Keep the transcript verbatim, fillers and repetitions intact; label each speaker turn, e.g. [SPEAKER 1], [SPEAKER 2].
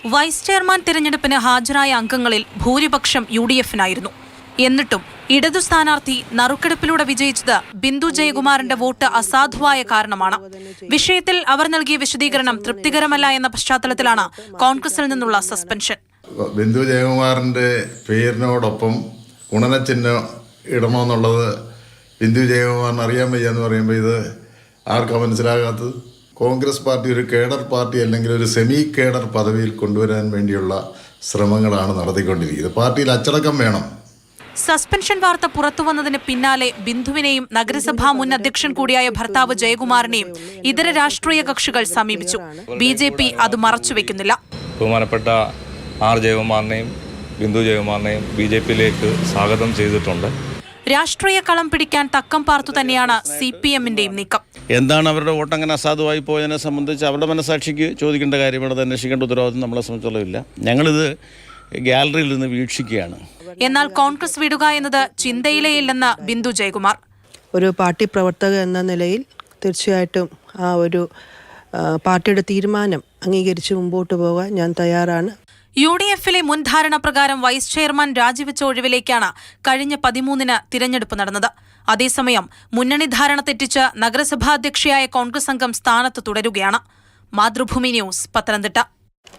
[SPEAKER 1] Vice chairman തിരഞ്ഞെടുപ്പിന് ഹാജരായ അംഗങ്ങളിൽ ഭൂരിപക്ഷം യു ഡി എഫിനായിരുന്നു. എന്നിട്ടും ഇടതു സ്ഥാനാർത്ഥി നറുക്കെടുപ്പിലൂടെ വിജയിച്ചത് ബിന്ദു ജയകുമാറിന്റെ വോട്ട് അസാധുവായ കാരണമാണ്. വിഷയത്തിൽ അവർ നൽകിയ വിശദീകരണം തൃപ്തികരമല്ല എന്ന പശ്ചാത്തലത്തിലാണ് കോൺഗ്രസിൽ നിന്നുള്ള സസ്പെൻഷൻ.
[SPEAKER 2] ബിന്ദു ജയകുമാറിന്റെ പേരിനോടൊപ്പം ഗുണനചിഹ്നം ഇടണമെന്നുള്ളത് ബിന്ദു ജയകുമാറിന് അറിയാൻ വയ്യ എന്ന് പറയുമ്പോൾ ഇത് ആർക്കാ മനസ്സിലാകാത്തത്? കോൺഗ്രസ് പാർട്ടി ഒരു കേഡർ പാർട്ടി അല്ലെങ്കിൽ ഒരു സെമി കേഡർ പദവിയിൽ കൊണ്ടുവരാൻ വേണ്ടിയുള്ള ശ്രമങ്ങളാണ് നടത്തിക്കൊണ്ടിരിക്കുന്നത്. പാർട്ടിയിൽ അച്ചടക്കം വേണം.
[SPEAKER 1] സസ്പെൻഷൻ വാർത്ത പുറത്തുവന്നതിന് പിന്നാലെ ബിന്ദുവിനെയും നഗരസഭാ മുൻ അധ്യക്ഷൻ കൂടിയായ ഭർത്താവ് ജയകുമാറിനെയും ഇതര രാഷ്ട്രീയ കക്ഷികൾ സമീപിച്ചു. ബി ജെ പി അത് മറച്ചുവെക്കുന്നില്ല.
[SPEAKER 3] ബഹുമാനപ്പെട്ട ആർ ജയകുമാറിനെയും ബിന്ദു ജയകുമാറിനെയും ബി ജെ പിയിലേക്ക് സ്വാഗതം ചെയ്തിട്ടുണ്ട്.
[SPEAKER 1] രാഷ്ട്രീയ കളം പിടിക്കാൻ തക്കം പാർത്തു തന്നെയാണ് സി പി എമ്മിന്റെയും നീക്കം.
[SPEAKER 4] എന്താണ് അവരുടെ വോട്ട് അങ്ങനെ അസാധുവായി പോയതിനെ സംബന്ധിച്ച് അവരുടെ മനസാക്ഷിക്ക് ചോദിക്കേണ്ട കാര്യമാണ്. അത് അന്വേഷിക്കേണ്ട ഉത്തരവാദിത്വം നമ്മളെ സംബന്ധിച്ചുള്ളതില്ല. ഞങ്ങളിത് ഗാലറിയിൽ നിന്ന് വീക്ഷിക്കുകയാണ്.
[SPEAKER 1] എന്നാൽ കോൺഗ്രസ് വിടുക എന്നത് ചിന്തയിലേയില്ലെന്ന് ബിന്ദു ജയകുമാർ.
[SPEAKER 5] ഒരു പാർട്ടി പ്രവർത്തക എന്ന നിലയിൽ തീർച്ചയായിട്ടും ആ ഒരു പാർട്ടിയുടെ തീരുമാനം അംഗീകരിച്ച് മുമ്പോട്ട് പോകാൻ ഞാൻ തയ്യാറാണ്.
[SPEAKER 1] യു ഡി എഫിലെ മുൻ ധാരണ പ്രകാരം വൈസ് ചെയർമാൻ രാജിവെച്ച ഒഴിവിലേക്കാണ് കഴിഞ്ഞ പതിമൂന്നിന് തിരഞ്ഞെടുപ്പ് നടന്നത്. അതേസമയം മുന്നണി ധാരണ തെറ്റിച്ച് നഗരസഭാധ്യക്ഷയായ കോൺഗ്രസ് അംഗം സ്ഥാനത്ത് തുടരുകയാണ്. മാതൃഭൂമി ന്യൂസ്, പത്തനംതിട്ട.